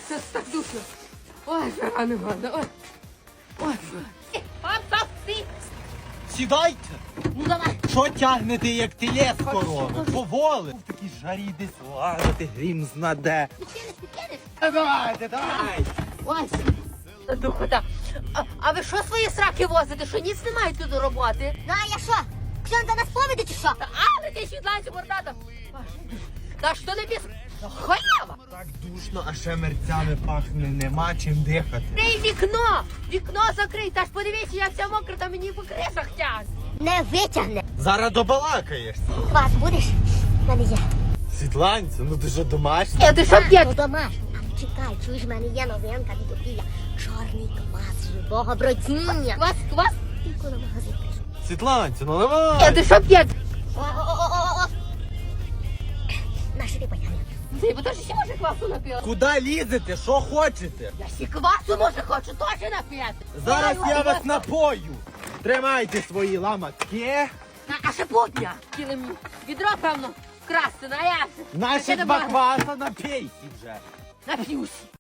Це так душно. Ой, жара не можна. Ой. Ой. Стоп, стій. Сідайте! Ну давай. Що тягнете, як телес корови? Поволи! В такій жарі десь лазити, грім знаде. Ти кинеш? Давайте, давайте! Ой, духота. А ви що свої сраки возите? Що ніц немає тут до роботи? Ну а я що? Ксьон за нас поведе чи що? Але ти світланці мордата. Та що не біс? Халява! Так душно, а ще мерцями пахне, нема чим дихати. Крий вікно! Вікно закрий, та ж подивіться, як ця мокра, та мені по кришах тягне. Не витягне. Зараз добалакаєшся. Квас будеш? В мене є. Світланцю, ну ти що домашня? Ти що п'єш? Ну домашній. А чекай, чуєш, в мене є новинка від Опіля. Чорний квас живого бродіння. Квас? Тільки на магазин прийшов. Світланцю, ну наливай! Ти що п'єш? О-о-о-о-о! Нащо ти потягне? Ти бо то ж ще може квасу нап'єш? Куди лізете? Що хочете? Я ще квасу може хочу теж нап'єти. Зараз я вас напою. Тримайте свої ламатки. А ще потня. Хотіли мені відро, певно, вкрасти, а я... Наші Таке два нема. кваса напійся вже. Нап'юсь.